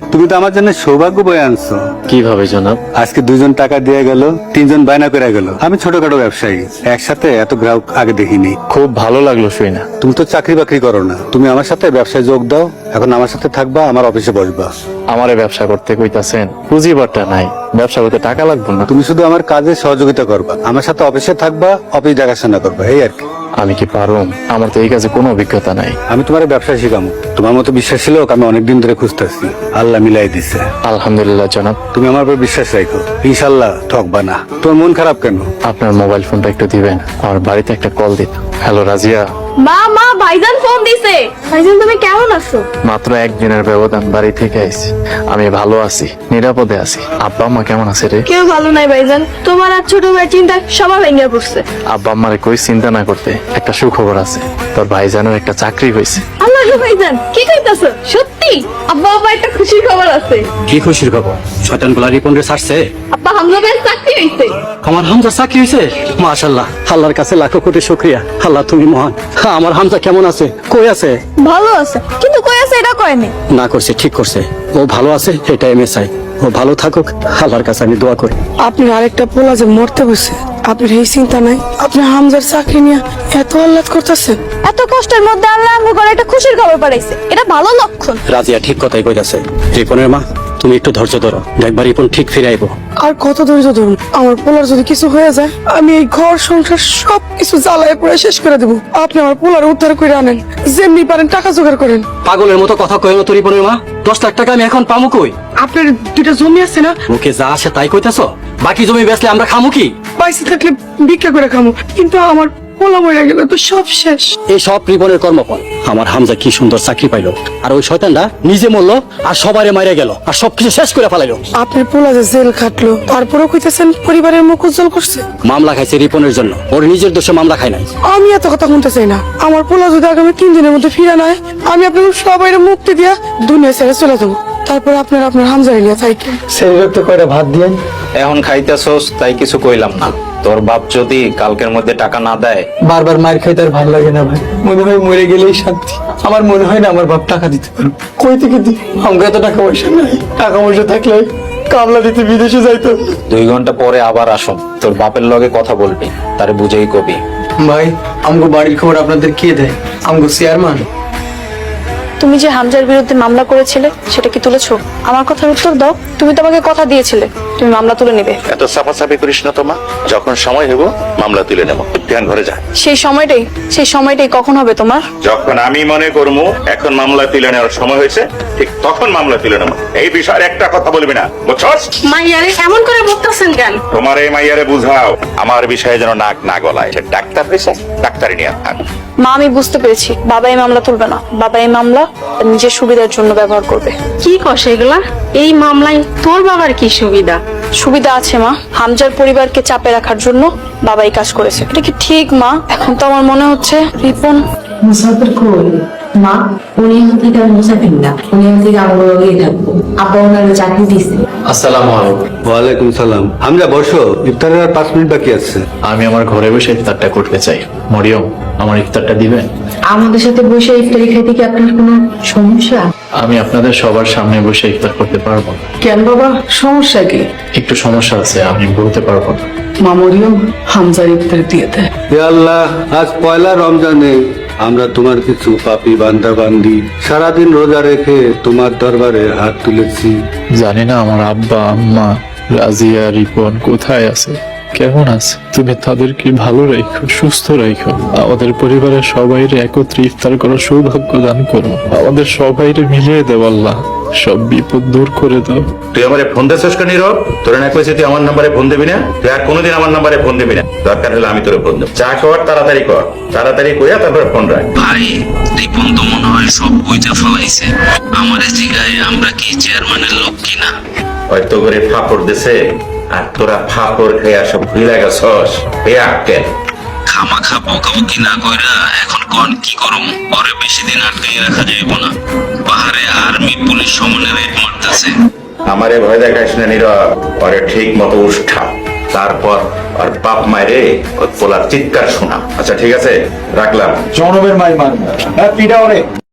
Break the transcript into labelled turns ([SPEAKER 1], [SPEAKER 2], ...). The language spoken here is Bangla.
[SPEAKER 1] তুমি তো আমার জন্য সৌভাগ্য বয়ে আনছো।
[SPEAKER 2] কিভাবে জনাব?
[SPEAKER 1] আজকে 2জন টাকা দিয়ে গেল, 3জন বায়না করে গেল। আমি ছোটখাটো ব্যবসায়ী, একসাথে এত গ্রাহক আগে দেখিনি।
[SPEAKER 2] খুব ভালো লাগলো শুই না।
[SPEAKER 1] তুমি তো চাকরি বাকরি করো না, তুমি আমার সাথে ব্যবসায় যোগ দাও। এখন আমার সাথে থাকবা, আমার অফিসে বসবা।
[SPEAKER 2] আমারে ব্যবসা করতে কইতাছেন, পুঁজিবারটা নাই, ব্যবসা করতে টাকা লাগবে না।
[SPEAKER 1] তুমি শুধু আমার কাজে সহযোগিতা করবা, আমার সাথে অফিসে থাকবা, অফিস দেখাশোনা করবা, এই আর কি।
[SPEAKER 2] আমি কি পারুম? আমার তো এই কাজে কোনো অভিজ্ঞতা নাই।
[SPEAKER 1] আমি তোমার ব্যবসা শিখামো। তোমার মতো বিশ্বাসী লোক আমি অনেকদিন ধরে খুঁজতেছি, আল্লাহ মিলাই দিছে।
[SPEAKER 2] আলহামদুলিল্লাহ জনাব।
[SPEAKER 1] তুমি আমার উপর বিশ্বাস রাখো, ইনশাল্লাহ ঠকবা না। তোমার মন খারাপ কেন?
[SPEAKER 2] আপনার মোবাইল ফোনটা একটু দিবেন, আমার বাড়িতে একটা কল দিত। হ্যালো রাজিয়া।
[SPEAKER 3] মা মা ভাইজান ফোন দিছে। ভাইজান তুমি কেমন আছো?
[SPEAKER 2] মাত্র একদিনের ব্যবধান, বাড়ি থেকে আইছি। আমি ভালো আছি, নিরাপদে আছি। আব্বা আম্মা কেমন আছে রে?
[SPEAKER 3] কেউ ভালো নাই ভাইজান, তোমার আর ছোট ভাই চিন্তা সবাই ভেঙে পড়ছে।
[SPEAKER 2] আব্বা আম্মারে কই চিন্তা না করতে, একটা সুখবর আছে। তোর ভাইজানের একটা চাকরি হয়েছে।
[SPEAKER 3] আল্লাহ গো ভাইজান, কি কইতাছো? সত্যি? আব্বা আব্বা একটা খুশির খবর আছে।
[SPEAKER 4] কি খুশির খবর? শয়তান গুলা রিপন রে ছাড়ছে।
[SPEAKER 3] আব্বা হামজা ভাইয়ের চাকরি হইছে।
[SPEAKER 4] আমার হামজা চাকরি হয়েছে? মাশাআল্লাহ, আল্লাহর কাছে লাখো কোটি শুকরিয়া। আল্লাহ তুমি মহান। আমার হামজা কেমন আছে? কই আছে?
[SPEAKER 3] ভালো আছে, কিন্তু কই আছে এটা কয়নি।
[SPEAKER 4] না করছে, ঠিক করছে। ও ভালো আছে, এটা আমি চাই। ও ভালো থাকুক, আল্লাহর কাছে আমি দোয়া করি।
[SPEAKER 5] আপনার আরেকটা পোলা যে মরতে বসে, আপনার এই চিন্তা নাই? আপনার হামজার চাকরি নিয়ে এত আহ্লাদ করতেছেন।
[SPEAKER 3] এত কষ্টের মধ্যে আল্লাহ আমাকে করে একটা খুশির খবর পাঠাইছে, এটা ভালো লক্ষণ।
[SPEAKER 4] রাজিয়া ঠিক কথাই কইতাছে। রিপনের মা, তুমি একটু ধৈর্য ধরো, দেখবা রিপন ঠিক ফিরে আইবো।
[SPEAKER 5] আর কত ধৈর্য ধরুন? আমার পোলার যদি কিছু হয়ে যায়, আমি এই ঘর সংসার সব কিছু জ্বালায় পুরো শেষ করে দেবো। আপনি আমার পোলার উদ্ধার করে আনেন, যেমনি পারেন টাকা জোগাড় করেন।
[SPEAKER 4] পাগলের মতো কথা কই না তো রিপনের মা। 10 লাখ টাকা আমি এখন পামু কই?
[SPEAKER 5] আপনার 2টা জমি আছে না?
[SPEAKER 4] মুখে যা আসে তাই কইতাছো? বাকি জমি বেচলে আমরা খামু কি?
[SPEAKER 5] পয়সা থাকলে ভিক্ষা করে খামো, কিন্তু আমার পোলা মরে গেলে তো সব শেষ।
[SPEAKER 4] এই সব রিপনের কর্মফল। আমার হামজা কি সুন্দর চাকরি পাইলো, আর ওই শয়তানটা নিজে মরলো আর সবারে মাইরে গেল আর সবকিছু শেষ করে ফেলাইলো।
[SPEAKER 5] আপনার পোলা যে জেল খাটলো, তারপরেও কইতেছেন পরিবারের মুখ উজ্জ্বল করছে।
[SPEAKER 4] মামলা খাইছে রিপনের জন্য, ওর নিজের দোষে মামলা খায় নাই।
[SPEAKER 5] আমি এত কথা শুনতে চাই না। আমার পোলা যদি আগামী 3 দিনের মধ্যে ফিরে না হয়, আমি আপনাদের সবাই মুক্তি দিয়া দুনিয়া ছেড়ে চলে যাবো। তারপর আপনার হামজা এলিয়া থাইকে
[SPEAKER 4] সেই তো কয়টা ভাত দিয়ে।
[SPEAKER 2] এখন খাইতেছস তাই কিছু কইলাম না। তোর বাপ যদি কালকের মধ্যে টাকা না দেয়,
[SPEAKER 6] বারবার মার খাইতে আর ভালো লাগে না ভাই। মনে হয় মরে গেলেই শান্তি। আমার মনে হয় না আমার বাপ টাকা দিতে পারবে। কই থেকে দি? আমাকে এত টাকা পয়সা নাই। টাকা পয়সা থাকলে কামলা দিতে বিদেশে যাইতো।
[SPEAKER 2] 2 ঘন্টা পরে আবার আসো, তোর বাপের লগে কথা বলবি, তারে বুঝেই কবি।
[SPEAKER 6] ভাই, আমগো বাড়ির খবর আপনাদের কে দেয়? আমগো চেয়ারম্যান।
[SPEAKER 3] তুমি যে হামজার বিরুদ্ধে মামলা করেছিলে সেটা কি তুলেছো? আমার কথার উত্তর দাও। তুমি তো আমাকে কথা দিয়েছিলে তুমি মামলা তুলে নেবে।
[SPEAKER 7] এত সাফাসাফি করিস না তোমা। যখন সময় হইব মামলা তুলে নেব। ধ্যান ঘরে যা।
[SPEAKER 3] সেই সময়টাই কখন হবে তোমার?
[SPEAKER 7] যখন আমি মনে করবো এখন মামলা তুলে নেওয়ার সময় হয়েছে, ঠিক তখন মামলা তুলে নেব। এই বিষয়ে একটা কথা বলবি না, বুঝছস?
[SPEAKER 3] মাইয়ারে এমন করে বলতেছেন কেন?
[SPEAKER 7] তোমার এই মাইয়ারে বুঝাও আমার বিষয়ে যেন নাক না গলায়। সে ডাক্তার হয়েছে, ডাক্তারি নিয়ে থাক।
[SPEAKER 3] মা আমি বুঝতে পেরেছি, বাবা এই মামলা তুলবে না। বাবা এই মামলা তার নিজের সুবিধার জন্য ব্যবহার করবে।
[SPEAKER 8] কি কস এগুলা? এই মামলায় তোর বাবার কি সুবিধা?
[SPEAKER 3] সুবিধা আছে মা, হামজার পরিবারকে চাপে রাখার জন্য বাবা এই কাজ করেছে। এটা কি ঠিক মা? এখন তো আমার মনে হচ্ছে রিপন
[SPEAKER 8] মুসাফির কই? মা, উনি থেকে মুসাফির না, উনি থেকে আমার লগেই থাকবো। আব্বা ওনার চাকরি দিছে।
[SPEAKER 2] আসসালামু আলাইকুম।
[SPEAKER 1] ওয়ালাইকুম সালাম। আমরা বসো, ইফতারের আর 5 মিনিট বাকি আছে।
[SPEAKER 2] আমি আমার ঘরে বসে ইফতারটা করতে চাই। মরিয়ম, আমার ইফতারটা দিবেন?
[SPEAKER 8] আমাদের সাথে বসে ইফতারি খাইতে কি আপনার কোনো সমস্যা?
[SPEAKER 2] আমি আপনাদের সবার সামনে বসে ইফতার করতে পারবো না।
[SPEAKER 5] কেন বাবা, সমস্যা কি?
[SPEAKER 2] একটু সমস্যা আছে, আমি বলতে পারবো না।
[SPEAKER 5] মামরিয়ম হামজার ইফতার দিয়ে দেয়।
[SPEAKER 1] হে আল্লাহ, আজ পয়লা রমজানে আমরা তোমার কিছু পাপী বান্দা বান্দি সারাদিন রোজা রেখে তোমার দরবারে হাত তুলেছি।
[SPEAKER 2] জানি না আমার আব্বা আম্মা রাজিয়া রিপন কোথায় আছে, কেমন আছে। তুমি তাদেরকে ভালো রাখো, সুস্থ রাখো। আমাদের পরিবারের সবাইরে একত্রে ইফতার করার সৌভাগ্য দান করো। আমাদের সবাইরে মিলিয়ে দেও আল্লাহ, সব বিপদ দূর করে দাও।
[SPEAKER 7] তুই আমারে ফোন দিছিস কেন নীরব? তোর না কইছিস তুই আমার নাম্বারে ফোন দিবি না? তুই আর কোনোদিন আমার নাম্বারে ফোন দিবি না। দরকার হলে আমি তোরে ফোন দেব। চা খাওয়ার তাড়াতাড়ি কর, তাড়াতাড়ি কইয়া তারপরে ফোন রাখ।
[SPEAKER 9] ভাই, রিপন তো মনে হয় সব কইতে ফলাইছে। আমারে জিগায় আমরা কি চেয়ারম্যানের লোক কিনা।
[SPEAKER 7] হয়তো করে ফাপড় দিছে আর তোরা ফাপড় খেয়ে সব ভুলে গেছস। বেআক্কেল।
[SPEAKER 9] খামাখা বকাবকি না কইরা এখন কোন কি করম? পরে বেশি দিন আটকাই রাখা যাইব না। পাহাড়ে আর্মি পুলিশ সমানে রেড মারতেছে।
[SPEAKER 7] আমারে ভয় দেখাইস না নীরব। পরে ঠিক মতো উষ্ঠা, তারপর আর বাপ মায়েরে ওর পোলার চিৎকার শোনা। আচ্ছা ঠিক আছে, রাখলাম।
[SPEAKER 6] জনমের মাই মারবে। হ্যাঁ, পিঠা অনেক।